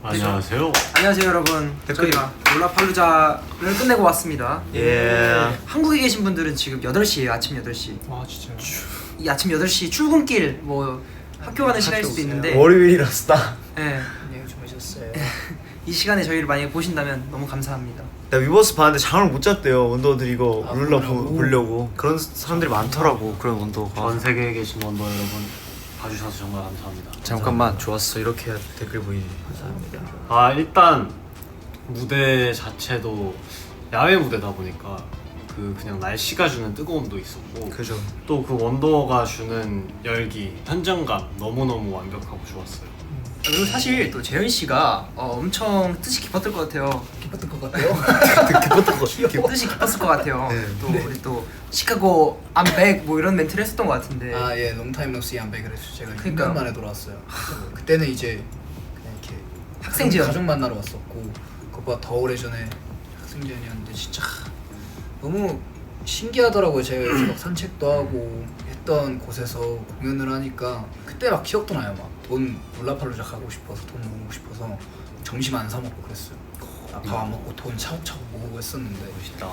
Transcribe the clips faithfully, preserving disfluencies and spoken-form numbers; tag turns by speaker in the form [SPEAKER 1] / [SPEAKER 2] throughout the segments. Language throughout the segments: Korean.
[SPEAKER 1] 안녕하세요.
[SPEAKER 2] 안녕하세요 여러분. 저희가 롤라팔루자를 끝내고 왔습니다.
[SPEAKER 1] 예.
[SPEAKER 2] 한국에 계신 분들은 지금 여덟 시에요. 아침 여덟 시.
[SPEAKER 3] 와 진짜요?
[SPEAKER 2] 이 아침 여덟 시 출근길 뭐 학교 가는 시간일 수도 있는데
[SPEAKER 1] 월요일이라서다.
[SPEAKER 2] 예.
[SPEAKER 3] 안녕히 주무셨어요.
[SPEAKER 2] 이 시간에 저희를 만약에 보신다면 너무 감사합니다.
[SPEAKER 1] 나 위버스 봤는데 잠을 못 잤대요. 원더들 이거
[SPEAKER 3] 아,
[SPEAKER 1] 룰라
[SPEAKER 3] 보려고?
[SPEAKER 1] 보려고. 그런 사람들이 많더라고. 그런 원더가.
[SPEAKER 4] 전 세계에 계신 원더 여러분 봐주셔서 정말 감사합니다.
[SPEAKER 1] 잠깐만 좋았어. 이렇게 해야 댓글 보이지.
[SPEAKER 3] 감사합니다.
[SPEAKER 4] 아 일단 무대 자체도 야외 무대다 보니까 그 그냥 날씨가 주는 뜨거움도 있었고
[SPEAKER 1] 그죠.
[SPEAKER 4] 또 그 원더가 주는 열기, 현장감 너무너무 완벽하고 좋았어요.
[SPEAKER 2] 그리고 사실 또 재현 씨가 어, 엄청 뜻이 깊었을 것 같아요.
[SPEAKER 3] 기뻤던 것 같아요.
[SPEAKER 1] 기뻤던 거. 기뻤.
[SPEAKER 2] 뜻이 깊었을 것 같아요.
[SPEAKER 1] 네.
[SPEAKER 2] 또 우리 또 시카고 I'm back 뭐 이런 멘트를 했었던 것 같은데.
[SPEAKER 3] 아 예, 롱타임 노시 안 백을 했죠. 제가
[SPEAKER 2] 그러니까.
[SPEAKER 3] 육 년 만에 돌아왔어요. 그때는 이제 그냥 이렇게
[SPEAKER 2] 학생지원.
[SPEAKER 3] 가족 만나러 왔었고 그것보다 더 오래 전에 학생지원이었는데 진짜 너무 신기하더라고요. 제가 여기서 막 산책도 하고 했던 곳에서 공연을 하니까 그때 막 기억도 나요. 막 돈 롤라팔루자 가고 싶어서 돈 모으고 싶어서 점심 안 사 먹고 그랬어요. 밥 안 먹고 돈 차곡차곡 모으고 했었는데
[SPEAKER 4] 멋있다.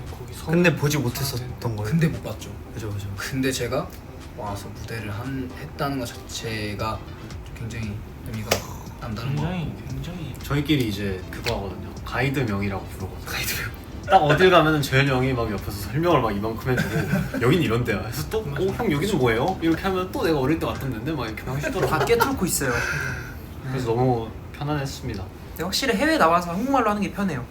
[SPEAKER 1] 근데 보지 못했었던 거예요.
[SPEAKER 3] 근데 못 봤죠.
[SPEAKER 1] 그죠 그죠.
[SPEAKER 3] 근데 제가 와서 무대를 한, 했다는 것 자체가 굉장히 의미가 남다른 것 같고
[SPEAKER 5] 굉장히
[SPEAKER 4] 저희끼리 이제 그거 하거든요. 가이드 명이라고 부르거든요. 가이드 명. 딱 어딜 가면은 재현이 형이 막 옆에서 설명을 막 이만큼 해주고 여긴 이런 데야. 그래서 또 어 형 여기는 뭐예요? 이렇게 하면 또 내가 어릴 때 왔던 데인데 막 이렇게 하시더라고요.
[SPEAKER 2] 다 꿰뚫고 있어요.
[SPEAKER 4] 그래서 너무 편안했습니다.
[SPEAKER 2] 근데 확실히 해외 나와서 한국말로 하는 게 편해요.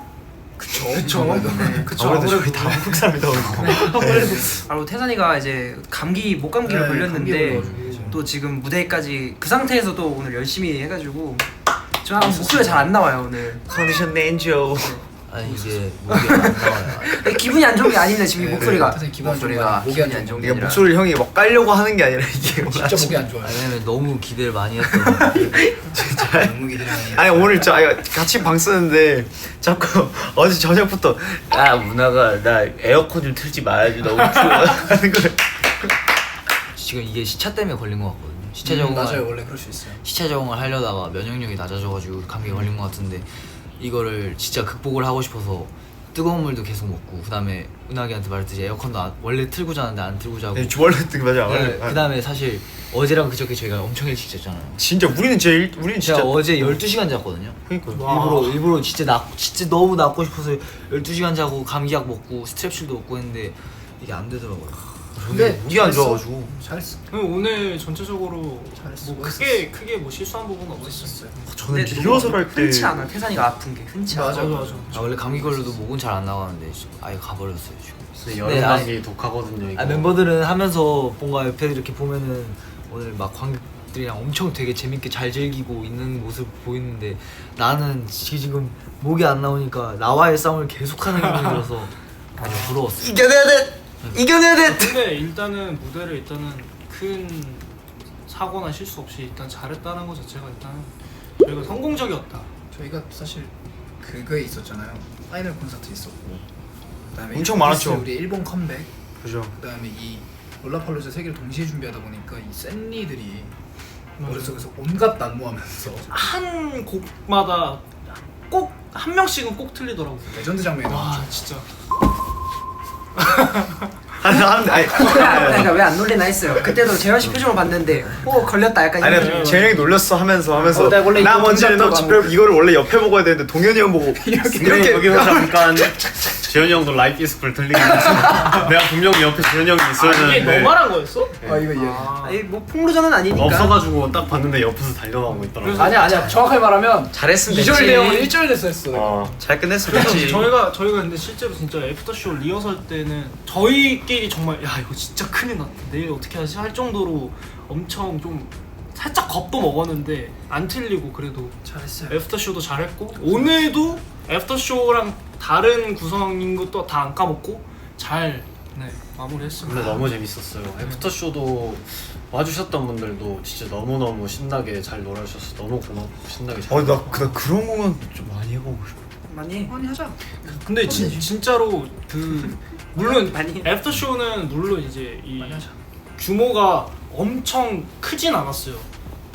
[SPEAKER 3] 그쵸
[SPEAKER 2] 그쵸. 네, 그쵸.
[SPEAKER 1] 아무래도 저희 다 한국 사람이다 보니까.
[SPEAKER 2] 바로 태산이가 이제 감기 목 감기를
[SPEAKER 3] 네,
[SPEAKER 2] 걸렸는데
[SPEAKER 3] 감기 걸려가지고.
[SPEAKER 2] 또 지금 무대까지 그 상태에서 또 오늘 열심히 해가지고 저 목소리가 잘 안 나와요 오늘.
[SPEAKER 1] 컨디션 렌저.
[SPEAKER 5] 아니 이게 목이 안 나와요.
[SPEAKER 2] 기분이 안 좋은 게 아닙니다 지금 이
[SPEAKER 3] 네,
[SPEAKER 2] 목소리가.
[SPEAKER 3] 태산이 기분 안 좋은
[SPEAKER 2] 목소리가
[SPEAKER 3] 거야. 목이 안
[SPEAKER 2] 기분이 안 좋은 게
[SPEAKER 1] 이게
[SPEAKER 2] 아니라.
[SPEAKER 1] 목소리를 형이 막 깔려고 하는 게 아니라 이게 오늘
[SPEAKER 3] 진짜
[SPEAKER 1] 아침-
[SPEAKER 3] 목이 안 좋아요.
[SPEAKER 5] 왜냐면 너무 기대를 많이 했던
[SPEAKER 1] 진짜.
[SPEAKER 3] 너무 기대를 많이
[SPEAKER 1] 아니
[SPEAKER 3] 했어요.
[SPEAKER 1] 오늘 저 아니, 같이 방 쓰는데 자꾸 어제 저녁부터 아 문화가 나 에어컨 좀 틀지 말아줘 너무 추워 하는 거예요.
[SPEAKER 5] 지금 이게 시차 때문에 걸린 것 같거든요. 시차
[SPEAKER 3] 음,
[SPEAKER 5] 적응을
[SPEAKER 3] 맞아요. 원래 그럴 수 있어요.
[SPEAKER 5] 시차 적응을 하려다가 면역력이 낮아져가지고 감기에 걸린 것 같은데 이거를 진짜 극복을 하고 싶어서 뜨거운 물도 계속 먹고 그다음에 은하기한테 말했듯이 에어컨도 안- 원래 틀고 자는데 안 틀고 자고
[SPEAKER 1] 네, 원래 뜨 맞아.
[SPEAKER 5] 네,
[SPEAKER 1] 원래.
[SPEAKER 5] 그다음에 사실 어제랑 그저께 저희가 엄청 일찍 잤잖아요.
[SPEAKER 1] 진짜 우리는 제일 우리는
[SPEAKER 5] 제가
[SPEAKER 1] 진짜
[SPEAKER 5] 어제 열두 시간 잤거든요.
[SPEAKER 1] 그러니까
[SPEAKER 5] 일부러 일부러 진짜 나 진짜 너무 낫고 싶어서 열두 시간 자고 감기약 먹고 스트랩실도 먹고 했는데 이게 안 되더라고요.
[SPEAKER 3] 근데
[SPEAKER 1] 목이 안 좋아가지고
[SPEAKER 3] 잘했어.
[SPEAKER 6] 오늘 전체적으로
[SPEAKER 3] 잘했어.
[SPEAKER 6] 뭐 크게 크게 뭐 실수한 부분은 없었어요.
[SPEAKER 1] 저는
[SPEAKER 2] 근데
[SPEAKER 1] 리허설
[SPEAKER 2] 너무
[SPEAKER 1] 할때
[SPEAKER 2] 흔치 않아. 태산이가 아픈 게 흔치 않아.
[SPEAKER 3] 맞아 맞아.
[SPEAKER 5] 아 원래 감기 걸려도 목은 잘 안 나가는데 아예 가버렸어요 지금.
[SPEAKER 4] 근데 여름
[SPEAKER 5] 네,
[SPEAKER 4] 감기 독하거든요 이거.
[SPEAKER 5] 아, 멤버들은 하면서 뭔가 옆에 이렇게 보면은 오늘 막 관객들이랑 엄청 되게 재밌게 잘 즐기고 있는 모습 보이는데 나는 지금 목이 안 나오니까 나와의 싸움을 계속하는 기분이 들어서 아주 부러웠어.
[SPEAKER 1] 이겨내야 돼. 이겨내야 돼.
[SPEAKER 6] 근데 일단은 무대를 일단은 큰 사고나 실수 없이 일단 잘했다는 것 자체가 일단 저희가 성공적이었다.
[SPEAKER 3] 저희가 사실 그거에 있었잖아요. 파이널 콘서트 있었고 그다음에
[SPEAKER 1] 엄청 많았죠.
[SPEAKER 3] 우리 일본 컴백.
[SPEAKER 1] 그죠.
[SPEAKER 3] 그다음에 이 롤라팔루자 세 개를 동시에 준비하다 보니까 이 샌리들이 머릿속에서 온갖 난무하면서
[SPEAKER 6] 한 곡마다 꼭 한 명씩은 꼭 틀리더라고요.
[SPEAKER 3] 레전드 장면이
[SPEAKER 6] 와
[SPEAKER 3] 나왔죠.
[SPEAKER 6] 진짜.
[SPEAKER 1] 아니 아니 아니
[SPEAKER 2] 그러니까 왜 안 놀리나 했어요. 그때도 재현 씨 표정을 봤는데 오 걸렸다 약간 이런.
[SPEAKER 1] 아니 재영이 놀렸어 하면서 하면서
[SPEAKER 2] 어, 나 원래
[SPEAKER 1] 나
[SPEAKER 2] 이거
[SPEAKER 1] 먼저 너
[SPEAKER 2] 동작도
[SPEAKER 1] 집에 이거를 원래 옆에 먹어야 되는데 동현이 형 보고
[SPEAKER 4] 근데
[SPEAKER 1] 이렇게
[SPEAKER 4] 여기서 잠깐 재현이 형도 라이프 이스플 들리긴 했어. 내가 분명히 옆에 재현이 형이 있어야
[SPEAKER 6] 이게
[SPEAKER 4] 되는데
[SPEAKER 6] 너만한 거였어?
[SPEAKER 3] 아 이거 이해.
[SPEAKER 2] 아니 뭐 폭로전은 아니니까.
[SPEAKER 4] 없어가지고 딱 봤는데 옆에서 달려나오고 있더라고.
[SPEAKER 3] 아니야 아니야. 정확하게 말하면
[SPEAKER 1] 잘했으면
[SPEAKER 3] 이 절
[SPEAKER 1] 됐지.
[SPEAKER 3] 내용은 일 절 됐어 했어.
[SPEAKER 1] 어, 잘 끝냈으면
[SPEAKER 6] 그래서
[SPEAKER 1] 됐지.
[SPEAKER 6] 저희가 저희가 근데 실제로 진짜 애프터쇼 리허설 때는 저희끼리 정말 야 이거 진짜 큰일 났다 내일 어떻게 하지 할 정도로 엄청 좀 살짝 겁도 먹었는데 안 틀리고 그래도
[SPEAKER 3] 잘했어요.
[SPEAKER 6] 애프터쇼도 잘했고 오늘도 애프터쇼랑 다른 구성인 것도 다 안 까먹고 잘 네, 마무리했습니다.
[SPEAKER 4] 근데 너무 재밌었어요. 애프터쇼도 와주셨던 분들도 진짜 너무너무 신나게 잘 놀아주셔서 너무 고맙고 신나게 잘
[SPEAKER 1] 어나 나 그런 공연 좀 많이 해보고 싶어.
[SPEAKER 2] 많이
[SPEAKER 3] 많이 하자.
[SPEAKER 6] 근데 진, 진짜로 그 물론
[SPEAKER 2] 많이
[SPEAKER 6] 애프터쇼는 물론 이제 이
[SPEAKER 3] 많이 하자.
[SPEAKER 6] 규모가 엄청 크진 않았어요.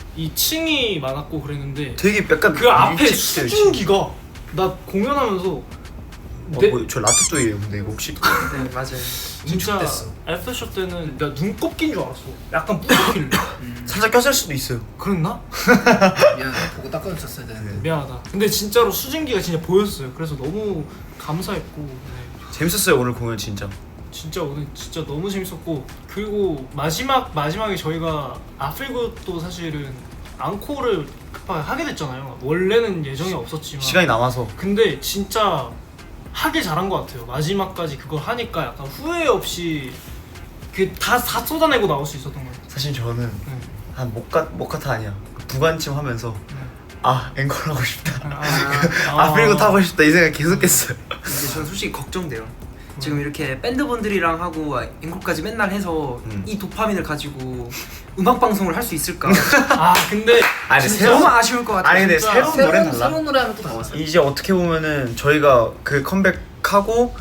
[SPEAKER 6] 이 층이 많았고 그랬는데
[SPEAKER 1] 되게 약간
[SPEAKER 6] 그 앞에
[SPEAKER 1] 일찍 돼요,
[SPEAKER 6] 수증기가 나 공연하면서
[SPEAKER 1] 어,
[SPEAKER 6] 내-
[SPEAKER 1] 뭐, 저 라타또이에요 근데 이거 혹시
[SPEAKER 2] 네 맞아요.
[SPEAKER 6] 진짜
[SPEAKER 3] 응축됐어.
[SPEAKER 6] 애프터쇼 때는 나 눈곱 낀 줄 알았어. 약간 뿌옇길래
[SPEAKER 1] 살짝 꼈을 수도 있어요.
[SPEAKER 6] 그랬나?
[SPEAKER 3] 미안 보고 닦아줬었어야 되는데.
[SPEAKER 6] 미안하다. 근데 진짜로 수증기가 진짜 보였어요. 그래서 너무 감사했고 네.
[SPEAKER 1] 재밌었어요 오늘 공연 진짜.
[SPEAKER 6] 진짜 오늘 진짜 너무 재밌었고 그리고 마지막 마지막에 저희가 아필굿도 사실은 앙코를 급하게 하게 됐잖아요. 원래는 예정이 없었지만
[SPEAKER 1] 시간이 남아서
[SPEAKER 6] 근데 진짜 하길 잘한 것 같아요. 마지막까지 그걸 하니까 약간 후회 없이 그 다 다 쏟아내고 나올 수 있었던 것 같아요.
[SPEAKER 1] 사실 저는
[SPEAKER 6] 네.
[SPEAKER 1] 한 모카 모카타 아니야 부관침 하면서 아 앵콜 하고 싶다.
[SPEAKER 6] 아,
[SPEAKER 1] 아 그리고 타고 싶다 이 생각 계속했어요.
[SPEAKER 2] 근데 저는 솔직히 걱정돼요. 지금 이렇게 밴드분들이랑 하고 앵콜까지 맨날 해서
[SPEAKER 1] 음.
[SPEAKER 2] 이 도파민을 가지고 음악 방송을 할 수 있을까?
[SPEAKER 6] 아 근데
[SPEAKER 1] 아니
[SPEAKER 6] 진짜
[SPEAKER 2] 너무
[SPEAKER 1] 새로운
[SPEAKER 2] 아쉬울 것 같아요.
[SPEAKER 1] 아니 근데
[SPEAKER 6] 진짜.
[SPEAKER 1] 새로운 노래는
[SPEAKER 3] 새로운
[SPEAKER 1] 달라.
[SPEAKER 3] 새로운 노래 하면 또 달라.
[SPEAKER 1] 이제 어떻게 보면은 저희가 그 컴백하고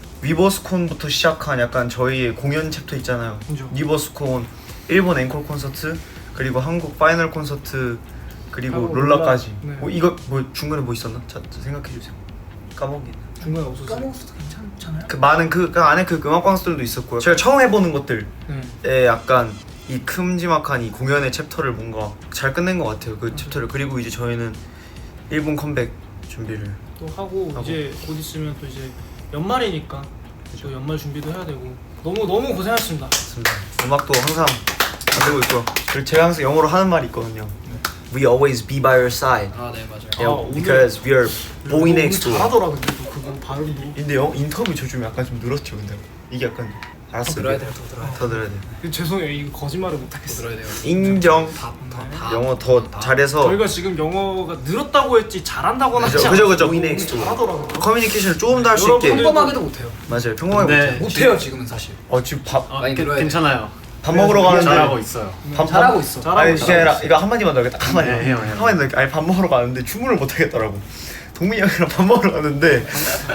[SPEAKER 1] 위버스콘부터 시작한 약간 저희의 공연 챕터 있잖아요.
[SPEAKER 6] 그죠.
[SPEAKER 1] 위버스콘 일본 앵콜 콘서트 그리고 한국 파이널 콘서트 그리고
[SPEAKER 6] 하고
[SPEAKER 1] 롤라까지.
[SPEAKER 6] 롤라. 네.
[SPEAKER 1] 뭐 이거 뭐 중간에 뭐 있었나? 자, 자 생각해 주세요. 까먹긴.
[SPEAKER 6] 중간에 없었어요.
[SPEAKER 3] 까먹었어도 괜찮잖아요.
[SPEAKER 1] 그 많은 그, 그 안에 그 음악 방송들도 있었고요. 제가 처음 해보는 것들에
[SPEAKER 6] 네.
[SPEAKER 1] 약간 이 큼지막한 이 공연의 챕터를 뭔가 잘 끝낸 것 같아요. 그 챕터를. 그리고 이제 저희는 일본 컴백 준비를.
[SPEAKER 6] 또 하고,
[SPEAKER 1] 하고.
[SPEAKER 6] 이제 곧 있으면 또 이제 연말이니까 또 연말 준비도 해야 되고 너무 너무 고생하셨습니다.
[SPEAKER 1] 맞습니다. 음악도 항상 만들고 있고요. 그리고 제가 항상 영어로 하는 말이 있거든요. We always be by your side.
[SPEAKER 3] 아 네 맞아요.
[SPEAKER 1] Yeah,
[SPEAKER 6] 아, 오늘-
[SPEAKER 1] because we are boy
[SPEAKER 6] 오늘
[SPEAKER 1] next door.
[SPEAKER 6] 잘하더라 근데 또 그거 발음도.
[SPEAKER 1] 근데 영 인터뷰 저 좀 약간 좀 늘었죠. 근데 이게 약간
[SPEAKER 3] 더
[SPEAKER 1] 알았어요.
[SPEAKER 3] 들어야 돼요. 더 들어야 돼요.
[SPEAKER 1] 더 들어야 돼.
[SPEAKER 6] 근데 죄송해요 이거 거짓말을
[SPEAKER 3] 더
[SPEAKER 6] 못하겠어요.
[SPEAKER 3] 들어야 돼요.
[SPEAKER 1] 인정.
[SPEAKER 3] 다, 다,
[SPEAKER 6] 네.
[SPEAKER 3] 다.
[SPEAKER 1] 영어 더 잘해서
[SPEAKER 6] 저희가 지금 영어가 늘었다고 했지 잘한다고는
[SPEAKER 1] 그죠,
[SPEAKER 6] 하지
[SPEAKER 1] 그죠,
[SPEAKER 6] 않았어요.
[SPEAKER 1] 그죠.
[SPEAKER 6] 너무
[SPEAKER 1] next door.
[SPEAKER 6] 잘하더라고요.
[SPEAKER 1] 커뮤니케이션을 조금 더 할 수
[SPEAKER 6] 여러분들-
[SPEAKER 1] 있게.
[SPEAKER 3] 평범하게도 못해요.
[SPEAKER 1] 맞아요. 평범하게
[SPEAKER 4] 네.
[SPEAKER 1] 못해.
[SPEAKER 3] 못해요 지금은 사실.
[SPEAKER 1] 어 지금 밥
[SPEAKER 4] 아,
[SPEAKER 3] 많이
[SPEAKER 4] 그,
[SPEAKER 3] 들어야 돼.
[SPEAKER 4] 괜찮아요.
[SPEAKER 1] 밥 먹으러 가는데
[SPEAKER 4] 잘하고 있어요.
[SPEAKER 1] 밥,
[SPEAKER 3] 잘하고
[SPEAKER 1] 밥-
[SPEAKER 3] 있어.
[SPEAKER 6] 잘하고
[SPEAKER 1] 아니
[SPEAKER 6] 있어.
[SPEAKER 1] 그게 아니라 이거 한마디만 더 하겠다. 한마디.
[SPEAKER 4] 네, 해요, 해요.
[SPEAKER 1] 한마디 더 할게. 아니 밥 먹으러 가는데 주문을 못 하겠더라고. 동민이 형이랑 밥 먹으러 가는데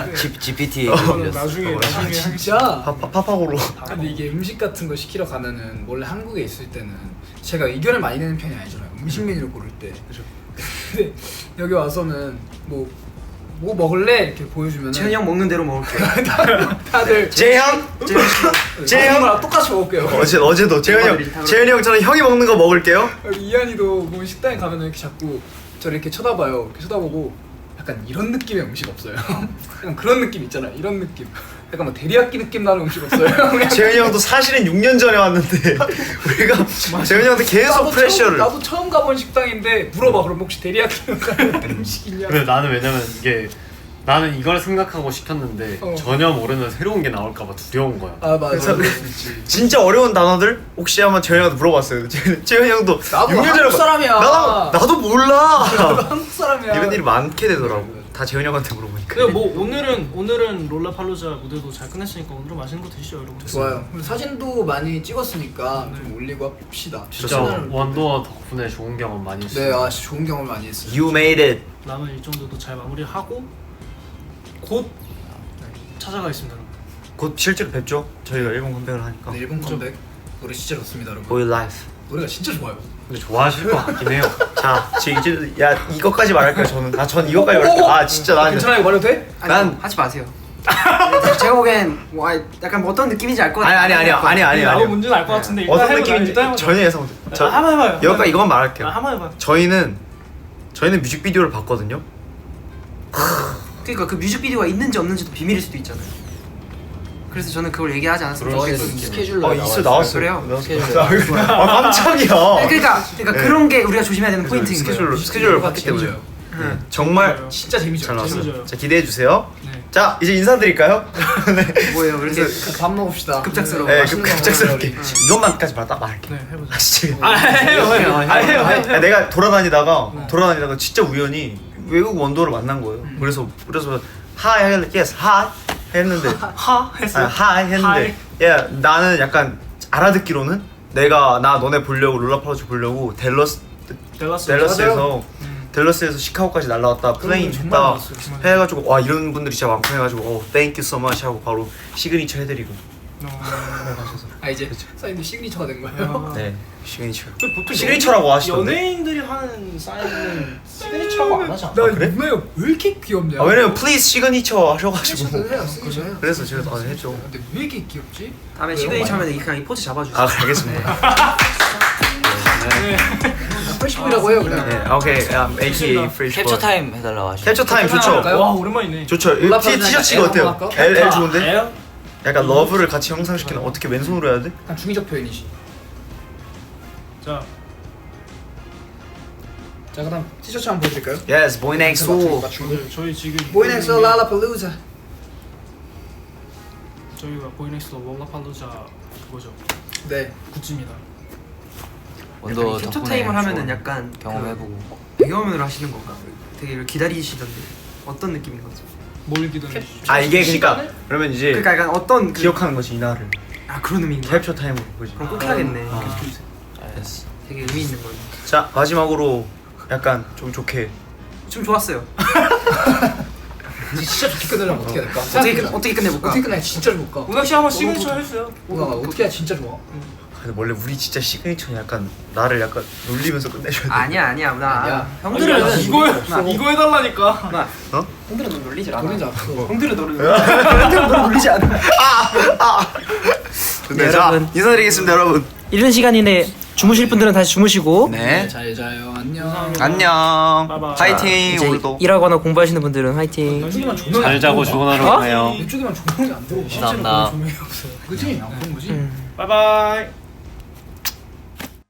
[SPEAKER 5] 지피티
[SPEAKER 6] 이거는 나중에 나중에 하겠습니다.
[SPEAKER 3] 진짜.
[SPEAKER 1] 밥 pap하고로
[SPEAKER 3] 근데 이게 음식 같은 거 시키러 가면은 원래 한국에 있을 때는 제가 의견을 많이 내는 편이 아니잖아요. 음식 메뉴를 고를 때. 근데 여기 와서는 뭐 뭐 먹을래 이렇게 보여주면은
[SPEAKER 2] 재현이 형 먹는 대로 먹을게요.
[SPEAKER 3] 다들
[SPEAKER 1] 재형 재형
[SPEAKER 3] 랑 똑같이 먹을게요.
[SPEAKER 1] 어제 어제도 재현이 형
[SPEAKER 2] 멤버들이
[SPEAKER 1] 재현이 형처럼 형이 먹는 거 먹을게요.
[SPEAKER 3] 이한이도 뭐 식당에 가면은 이렇게 자꾸 저를 이렇게 쳐다봐요. 이렇게 쳐다보고 약간 이런 느낌의 음식 없어요. 약간 그런 느낌 있잖아. 이런 느낌. 약간 뭐 데리야끼 느낌 나는 음식 없어요.
[SPEAKER 1] 재현이 형도 사실은 육 년 전에 왔는데 우리가 재현이 형한테 계속
[SPEAKER 3] 나도
[SPEAKER 1] 프레셔를.
[SPEAKER 3] 처음, 나도 처음 가본 식당인데 물어봐. 그럼 혹시 데리야끼 나는 음식 있냐?
[SPEAKER 4] 근데 나는 왜냐면 이게 나는 이걸 생각하고 시켰는데
[SPEAKER 3] 어.
[SPEAKER 4] 전혀 모르는 새로운 게 나올까봐 두려운 거야.
[SPEAKER 3] 아 맞아.
[SPEAKER 1] 그래서-
[SPEAKER 3] 그럴 수 있지.
[SPEAKER 1] 진짜 어려운 단어들 혹시 한번 재현이 형한테 물어봤어요. 재- 재현이 형도
[SPEAKER 3] 나도
[SPEAKER 1] 육 년 전에
[SPEAKER 3] 한국 사람이야.
[SPEAKER 1] 나도 나도 몰라.
[SPEAKER 3] 나도 한국 사람이야.
[SPEAKER 1] 이런 일이 많게 되더라고. 다 재현이 형한테 물어보니까.
[SPEAKER 6] 근데 뭐 오늘은 오늘은 롤라팔로자 무대도 잘 끝냈으니까 오늘은 맛있는 거 드시죠 여러분.
[SPEAKER 3] 좋아요. 그리고 사진도 많이 찍었으니까 좀 올리고 합시다.
[SPEAKER 4] 진짜
[SPEAKER 3] 시간을-
[SPEAKER 4] 원도어 덕분에 좋은 경험 많이 했어요.
[SPEAKER 3] 네, 아 진짜 좋은 경험 많이 했어요.
[SPEAKER 1] You made it.
[SPEAKER 6] 남은 일정들도 잘 마무리하고 곧 찾아가겠습니다. 여러분.
[SPEAKER 1] 곧 실제로 뵙죠. 저희가 일본 컴백을 하니까.
[SPEAKER 3] 네, 일본 컴백 노래 진짜 좋습니다, 여러분.
[SPEAKER 1] Boy Life.
[SPEAKER 3] 노래가 진짜 좋아요.
[SPEAKER 4] 근데 좋아하실 것 같긴 해요.
[SPEAKER 1] 자, 지금 이제 야 이거까지 말할게요. 저는. 아, 전 이거까지 말할게요. 아, 진짜 나
[SPEAKER 3] 괜찮아 이거 말해도 돼?
[SPEAKER 2] 아니,
[SPEAKER 1] 난-
[SPEAKER 2] 하지 마세요. 제가 보기엔 뭐 아, 약간 뭐 어떤 느낌인지 알 것
[SPEAKER 1] 아니
[SPEAKER 2] 같아요.
[SPEAKER 1] 아니 아니 아니 아니
[SPEAKER 6] 나도
[SPEAKER 1] 아니.
[SPEAKER 6] 뭔지는 알 것 같은데 일단
[SPEAKER 1] 어떤
[SPEAKER 6] 해보자.
[SPEAKER 1] 느낌인지
[SPEAKER 6] 일단 해보자.
[SPEAKER 1] 전혀 예상 못.
[SPEAKER 6] 아,
[SPEAKER 1] 저
[SPEAKER 6] 한번 해봐요. 한번
[SPEAKER 1] 여기까지 이것만
[SPEAKER 6] 해봐요.
[SPEAKER 1] 말할게요.
[SPEAKER 6] 아, 한번 해봐요.
[SPEAKER 1] 저희는 저희는 뮤직비디오를 봤거든요.
[SPEAKER 2] 그러니까 그 뮤직비디오가 있는지 없는지도 비밀일 수도 있잖아요. 그래서 저는 그걸 얘기하지 않았으면
[SPEAKER 4] 그럴 수
[SPEAKER 2] 좋겠어요.
[SPEAKER 4] 있겠네.
[SPEAKER 3] 스케줄로
[SPEAKER 1] 아, 있어 나왔어요.
[SPEAKER 2] 그래요?
[SPEAKER 1] 나왔어요. 아, 깜짝이야.
[SPEAKER 2] 그러니까 그러니까
[SPEAKER 1] 네.
[SPEAKER 2] 그런 게 우리가 조심해야 되는 포인트인 거예요.
[SPEAKER 1] 스케줄로 스케줄을 봤기 때문에.
[SPEAKER 3] 재밌어요.
[SPEAKER 2] 응.
[SPEAKER 1] 정말
[SPEAKER 6] 재밌어요.
[SPEAKER 3] 진짜 재밌죠.
[SPEAKER 1] 잘 나왔어요.
[SPEAKER 6] 재밌어요.
[SPEAKER 1] 자, 기대해 주세요.
[SPEAKER 6] 네.
[SPEAKER 1] 자, 이제 인사드릴까요? 네.
[SPEAKER 2] 뭐예요? 그렇게
[SPEAKER 3] 밥 먹읍시다.
[SPEAKER 2] 급작스러워.
[SPEAKER 1] 네,
[SPEAKER 3] 맛있는
[SPEAKER 1] 그
[SPEAKER 3] 거
[SPEAKER 1] 갑작스럽게
[SPEAKER 3] 먹어요,
[SPEAKER 1] 이것만까지 말 딱 말할게.
[SPEAKER 6] 네 해보자.
[SPEAKER 1] 아, 진짜.
[SPEAKER 6] 아 해요 해요.
[SPEAKER 2] 해요,
[SPEAKER 6] 아 해요 해요.
[SPEAKER 1] 아니, 내가 돌아다니다가
[SPEAKER 6] 네.
[SPEAKER 1] 돌아다니다가 진짜 우연히 외국 원더를 만난 거예요. 그래서 그래서 하이 했는데 yes 하이 했는데
[SPEAKER 6] 하 했어요.
[SPEAKER 1] 아, 하이 했는데 야 나는 약간 알아듣기로는 내가 나 너네 보려고 롤라팔로즈 보려고 델러스
[SPEAKER 6] 델라스.
[SPEAKER 1] 델러스에서
[SPEAKER 6] 음.
[SPEAKER 1] 델러스에서 시카고까지 날라왔다 플레인
[SPEAKER 6] 정말
[SPEAKER 1] 했다
[SPEAKER 6] 많았어요, 정말.
[SPEAKER 1] 해가지고 와 이런 분들이 진짜 많고 해가지고 어 thank you so much 하고 바로 시그니처 해드리고
[SPEAKER 6] 어,
[SPEAKER 3] 아니 아 이제 사인도 시그니처가 된 거예요.
[SPEAKER 1] 네 시그니처.
[SPEAKER 6] 그 보통
[SPEAKER 1] 시그니처라고 하시던데?
[SPEAKER 6] 연예인들이 하는 사인은 시그니처라고 안 하지 않아?
[SPEAKER 3] 나
[SPEAKER 1] 그래?
[SPEAKER 3] 누나가 왜 이렇게 귀엽냐?
[SPEAKER 1] 아 왜냐면 플리즈 시그니처 하셔가지고
[SPEAKER 3] 시그니처도 해요, 시그니처 해요.
[SPEAKER 1] 그래서 제가 아, 했죠.
[SPEAKER 3] 근데 왜 이렇게 귀엽지?
[SPEAKER 2] 다음에
[SPEAKER 3] 왜요?
[SPEAKER 2] 시그니처 하면 그냥 이 포즈 잡아주세요.
[SPEAKER 1] 아 알겠습니다.
[SPEAKER 3] 프레시보이라고 해요 그냥.
[SPEAKER 1] 네 오케이 um, 에이케이 Fresh
[SPEAKER 5] 캡처
[SPEAKER 1] Boy.
[SPEAKER 5] 타임 해달라고 하시죠.
[SPEAKER 1] 캡처 타임 좋죠.
[SPEAKER 3] 할까요?
[SPEAKER 6] 와 오랜만이네.
[SPEAKER 1] 좋죠. 이
[SPEAKER 3] 올라프
[SPEAKER 1] 티-
[SPEAKER 3] 하면
[SPEAKER 1] 티셔츠가
[SPEAKER 3] L
[SPEAKER 1] 어때요?
[SPEAKER 3] 한번 할까?
[SPEAKER 1] L L 좋은데?
[SPEAKER 6] 에어?
[SPEAKER 1] 약간 러브를 같이 형상시키는 어떻게 왼손으로 해야 돼?
[SPEAKER 3] 약간 중의적 표현이지.
[SPEAKER 6] 자
[SPEAKER 3] 자 그다음 티셔츠 한번 보여드릴까요?
[SPEAKER 1] Yes, boy next door.
[SPEAKER 6] 네, 저희 지금
[SPEAKER 3] 보이넥스 랄라팔루자.
[SPEAKER 6] 저희가 보이넥스 월라팔루자 그거죠.
[SPEAKER 3] 네.
[SPEAKER 6] 굿즈입니다.
[SPEAKER 5] 원더
[SPEAKER 2] 캡처
[SPEAKER 5] 덕분에
[SPEAKER 2] 타임을 하면은
[SPEAKER 5] 좋은
[SPEAKER 2] 약간
[SPEAKER 5] 경험해보고.
[SPEAKER 2] 그 배경화면으로 하시는 건가? 되게 이걸 기다리시던데 어떤 느낌인 거죠?
[SPEAKER 6] 뭘 기다리시죠?
[SPEAKER 1] 아 이게 그러니까 그러면 이제
[SPEAKER 2] 그러니까 약간 어떤 그-
[SPEAKER 1] 기억하는 거지 이날을
[SPEAKER 2] 아 그런 의미인가?
[SPEAKER 1] 캡처 타임으로 보지.
[SPEAKER 2] 그럼 꼭 해야겠네.
[SPEAKER 1] 어.
[SPEAKER 2] 계속해주세요. 되게 의미 있는 거예요.
[SPEAKER 1] 자 마지막으로 약간 좀 좋게
[SPEAKER 2] 좀 좋았어요.
[SPEAKER 3] 진짜 좋게 끝내려면 어떻게 해야 될까?
[SPEAKER 2] 어떻게 끝- 어떻게 끝내볼까?
[SPEAKER 3] 어떻게 끝내야 진짜 좋을까?
[SPEAKER 6] 우낙 씨 한번 시그니처 해주세요.
[SPEAKER 3] 우와 어떻게 해야 진짜 좋아?
[SPEAKER 1] 근데 원래 우리 진짜 시그니처는 약간 나를 약간 놀리면서 끝내줘야 돼.
[SPEAKER 2] 아니야 아니야 나
[SPEAKER 3] 아니야.
[SPEAKER 2] 형들은
[SPEAKER 6] 아니야,
[SPEAKER 2] 넌
[SPEAKER 6] 이거
[SPEAKER 2] 나-
[SPEAKER 6] 이거 해달라니까.
[SPEAKER 2] 나
[SPEAKER 1] 어?
[SPEAKER 2] 형들은 넌 놀리질 않아.
[SPEAKER 3] 놀리지 않았어.
[SPEAKER 2] 형들은 너를 형들은 너 놀리지 않아.
[SPEAKER 1] 근데
[SPEAKER 2] 네,
[SPEAKER 1] 자
[SPEAKER 2] 여러분.
[SPEAKER 1] 인사드리겠습니다 여러분.
[SPEAKER 2] 이른 시간인데 주무실 분들은 다시 주무시고
[SPEAKER 1] 네
[SPEAKER 3] 잘 자요. 안녕.
[SPEAKER 1] 안녕.
[SPEAKER 6] 바이바이.
[SPEAKER 1] 파이팅
[SPEAKER 2] 이제
[SPEAKER 1] 오늘도.
[SPEAKER 2] 일하거나 공부하시는 분들은 화이팅.
[SPEAKER 3] 이쪽에만 조명이
[SPEAKER 4] 잘
[SPEAKER 3] 안
[SPEAKER 4] 자고
[SPEAKER 3] 들어오나?
[SPEAKER 4] 좋은 하루
[SPEAKER 2] 어?
[SPEAKER 4] 보내요.
[SPEAKER 3] 이쪽에만 조명이 안 들어오고.
[SPEAKER 5] 감사합니다.
[SPEAKER 3] 그치? 안 그런 거지?
[SPEAKER 2] 음.
[SPEAKER 6] 바이바이.